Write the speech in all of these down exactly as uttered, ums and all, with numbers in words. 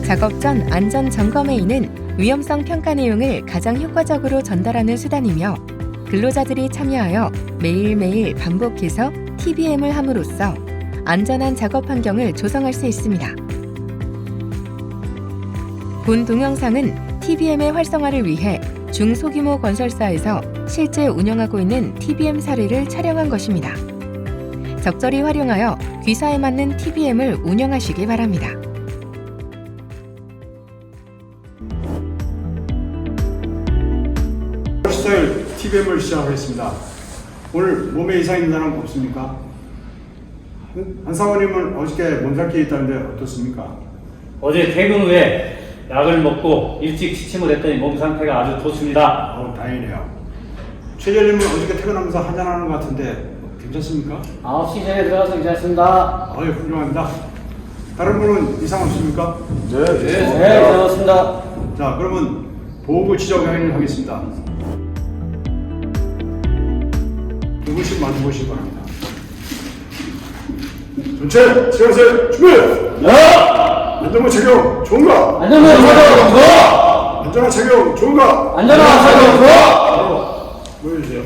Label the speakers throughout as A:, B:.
A: 작업 전 안전 점검회의는 위험성 평가 내용을 가장 효과적으로 전달하는 수단이며 근로자들이 참여하여 매일매일 반복해서 티비엠을 함으로써 안전한 작업 환경을 조성할 수 있습니다. 본 동영상은 티비엠의 활성화를 위해 중소규모 건설사에서 실제 운영하고 있는 티비엠 사례를 촬영한 것입니다. 적절히 활용하여 귀사에 맞는 티비엠을 운영하시기 바랍니다.
B: 스타일 티비엠을 시작하겠습니다. 오늘 몸에 이상 있는 사람 없습니까? 한 사모님은 어저께 몸살기 있다는데 어떻습니까?
C: 어제 퇴근 후에 약을 먹고 일찍 취침을 했더니 몸 상태가 아주 좋습니다.
B: 어, 다행이네요. 최재님은 어저께 퇴근하면서 한잔하는 것 같은데 괜찮습니까?
C: 아홉 시 전에 들어가서 괜찮습니다.
B: 어이, 훌륭합니다. 다른 분은 이상 없습니까?
C: 네, 네, 괜찮습니다.
B: 자, 그러면 보호구 지적 행위를 하겠습니다. 두 분씩 마주보시기 바랍니다. 전체 지하세 준비!
C: 야!
B: 안전모 착용 좋은가?
C: 안전모 착용 좋아!
B: 안전한 착용 좋은가?
C: 안전한 착용 좋아!
B: 보여주세요.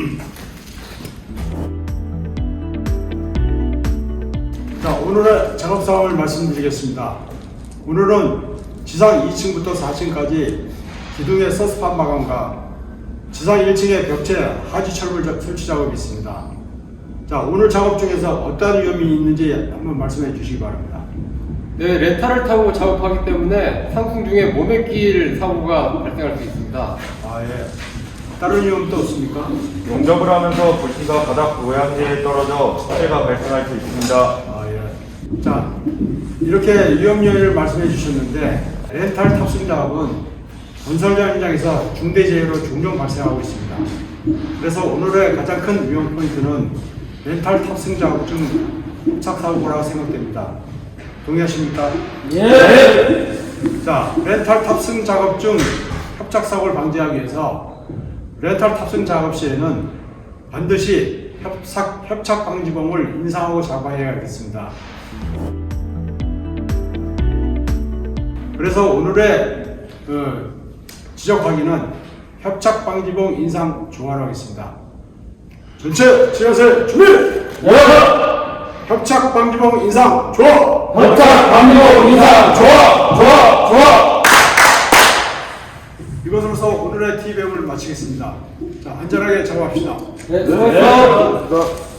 B: 자, 오늘의 작업 상황을 말씀드리겠습니다. 오늘은 지상 이 층부터 사 층까지 기둥의 서스판 마감과 지상 일 층의 벽체 하지 철물 설치 작업이 있습니다. 자, 오늘 작업 중에서 어떠한 위험이 있는지 한번 말씀해 주시기 바랍니다.
D: 네, 렌탈을 타고 작업하기 때문에 상승 중에 몸에 끼일 사고가 발생할 수 있습니다.
B: 아, 예. 다른 위험도 없습니까?
E: 용접을 하면서 불씨가 바닥 고양지에 떨어져 화재가 발생할 수 있습니다.
B: 아, 예. 자, 이렇게 위험 요인을 말씀해 주셨는데 렌탈 탑승 작업은 건설 현장에서 중대재해로 종종 발생하고 있습니다. 그래서 오늘의 가장 큰 위험 포인트는 렌탈 탑승 작업 중 협착 사고라고 생각됩니다. 동의하십니까?
C: 예!
B: 자, 렌탈 탑승 작업 중 협착 사고를 방지하기 위해서 렌탈 탑승 작업 시에는 반드시 협착, 협착 방지봉을 인상하고 작업해야겠습니다. 그래서 오늘의 그 지적 확인은 협착 방지봉 인상 조화로 하겠습니다. 전체 지하세 준비!
C: 야!
B: 협착 방지봉 인상 조화!
C: 협착 방지봉 인상 좋아! 좋아! 좋아!
B: 이것으로서 오늘의 티비엠을 마치겠습니다. 자, 안전하게 작업합시다.
C: 네, 수고하셨습니다.